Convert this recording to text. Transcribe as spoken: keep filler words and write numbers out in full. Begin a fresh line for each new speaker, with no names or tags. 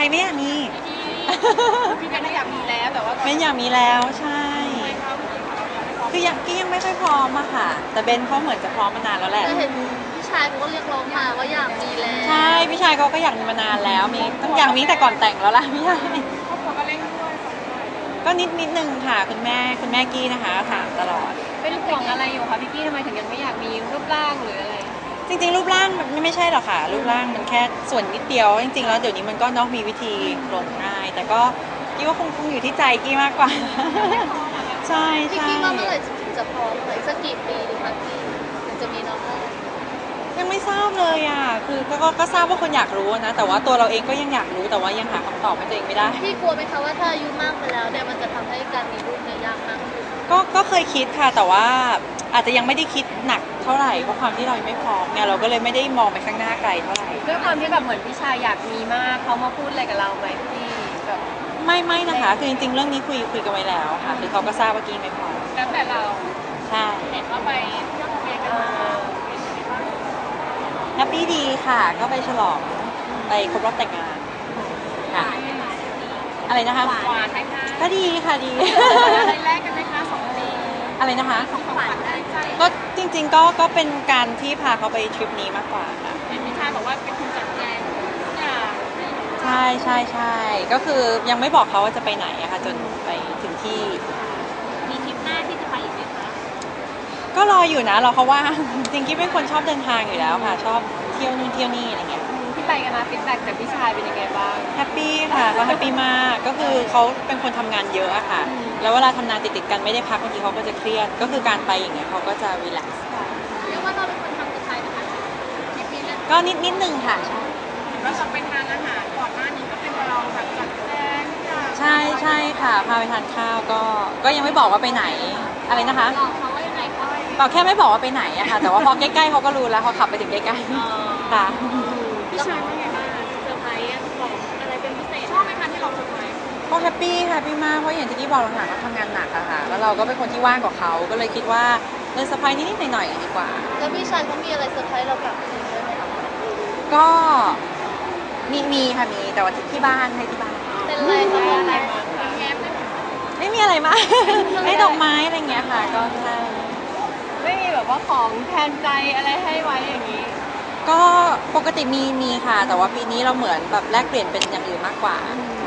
ไม่อยากมี
พี่เบนอยากมีแล้วแต่ว่า
ไม่อยากมีแล้วใช่คือยังกี้ยังไม่ค่อยพร้อมอะค่ะแต่เบนเขาเหมือนจะพร้อมมานานแล้วแหละ
แต่เห็นพี่ชายเขาก็เรียกร้องมาว่าอยากมีแล้ว
ใช่พี่ชายเขาก็อยากมีมานานแล้วมีต้องอยากมีแต่ก่อนแต่งแล้วล่ะพี่ชาย
ครอบครัวก็เร่งด้วย
ก็นิดนิดนึงค่ะคุณแม่คุณแม่กี้นะคะถามตลอด
เป็นห่วงอะไรอยู่คะพี่กี้ทำไมถึงยังไม่อยากมีรูปร่างหรืออะไร
จริงๆรูปร่างมันไม่ใช่หรอกค่ะรูปร่างมันแค่ส่วนนิดเดียวจริงๆแล้วเดี๋ยวนี้มันก็เนาะมีวิธีลงง่ายแต่ก็กี้ว่าคงคงอยู่ที่ใจกี้มากกว่าใช่
พี่
ใช่
กี้ว่าเมื่อไหร่ถึงจะพร้อมเลยสักกี่ปีดีคะพี่ถึงจะมีน้องได้
ยังไม่ทราบเลยอ่ะคือก็ก็ก็ทราบว่าคนอยากรู้นะแต่ว่าตัวเราเองก็ยังอยากรู้แต่ว่ายังหาคำตอบให้ตัวเองไม่ได้
พี่กลัวไหมคะว่าถ้าอายุมากไปแล้วเนี่ยมันจะทำให้การมีลูกเนี่ยยากมากขึ้น
ก็ก็เคยคิดค่ะแต่ว่าอาจจะยังไม่ได้คิดหนักเท่าไหร่เพราะความที่เรายังไม่พร้อมเนี่ยเราก็เลยไม่ได้มองไปข้างหน้าไกลเท่าไหร่
ด้วยความที่แบบเหมือนพี่ชายอยากมีมากเขามาพูดอะไรกับเราไหมพี่แบบ
ไม่ไม่นะคะคือจริงๆเรื่องนี้คุยคุยกันไว้แล้วค่ะคือเขาก็ทราบว่ากี้ไม่พร้อม
แล้วแต่เรา
ใช่
เห็นว่าไปเที่ยวทะเลกันมา
แฮปปี้ดีค่ะก็ไปฉลองไปครบรอบแต่งงานค่ะอะไรนะคะ
หวานไหมคะ
ก็ดีค่ะดี
อะไรแรกกันไหมคะสองปี
อะไรนะคะ
ของขวัญได้ใจ
ก็จริงๆก็ก็เป็นการที่พาเขาไปทริปนี้มากกว่าค่ะ
เห็นพี่ชายบอกว่าเป็นคนจัดแจงทุกอย่าง
ใช่ใช่ใช่ก็คือยังไม่บอกเขาว่าจะไปไหนอะค่ะจนไปถึงที่
มีทริปหน้าที่จะไปอีกไหมคะ
ก็รออยู่นะรอเขาว่าจริงๆกิ๊บเป็นคนชอบเดินทางอยู่แล้วค่ะชอบเที่ยวนู่นเที่ยวนี่อะไรเงี้ย
ที่ไปกันนะฟีดแบ็กจากพี่ชายเป็นยังไงบ้าง
แฮปปี้ค่ะเขาแฮปปี้มากก็คือเขาเป็นคนทำงานเยอะอะค่ะแล้วเวลาทำงานติดๆกันไม่ได้พักบางทีเขาก็จะเครียดก็คือการไปอย่างเงี้ยเขาก็จะรีแลกซ์
เรียกว่าเราเป็นคนทำสุดท้ายนะคะทริปนี้นะ
ก็นิดนิดนึงค่ะ
แล้วเราไปทานอาหารก่อนหน้านี้ก็เป็นเราแบบจัดแจง
ใช่ใช่ค่ะพาไปทานข้าวก็ก็ยังไม่บอกว่าไปไหนอะไรนะคะ
บอกเขาว่ายังไงก็
บอกแค่ไม่บอกว่าไปไหนอะค่ะแต่ว่าพอใกล้ๆเขาก็รู้แล้วเขาขับไปถึงใกล้ๆค่ะ
พี่ชายว่าไงบ้างเซอร์ไพรส์บอกอะไรเป็นพิเศษชอบไหมคะที่เราเซอร์ไพรส์
เขาแฮปปี้แฮปปี้มากเพราะอย่างที่กี้บอกหลังๆเขาทำงานหนักอะค่ะแล้วเราก็เป็นคนที่ว่างกว่าเขาก็เลยคิดว่าเออเซอร์ไพรส์นิดๆหน่อยๆดีกว่า
แล้วพี่ชายเขามีอะไรเซอร์ไพรส์เรากลับคืนด้วยไหมคะ
ก็มีมีค่ะมีแต่ว่าที่บ้านให้ที่บ้าน
เป็นอะไรคะเป็นอะไร
แง้มได้ไหม
ไม่มีอะไรมากให้ดอกไม้อะไรเงี้ยค่ะก็ใช่
ไม่มีแบบว่าของแทนใจอะไรให้ไว้อย่างนี้
ก็ปกติมีมีค่ะแต่ว่าปีนี้เราเหมือนแบบแลกเปลี่ยนเป็นอย่างอื่นมากกว่า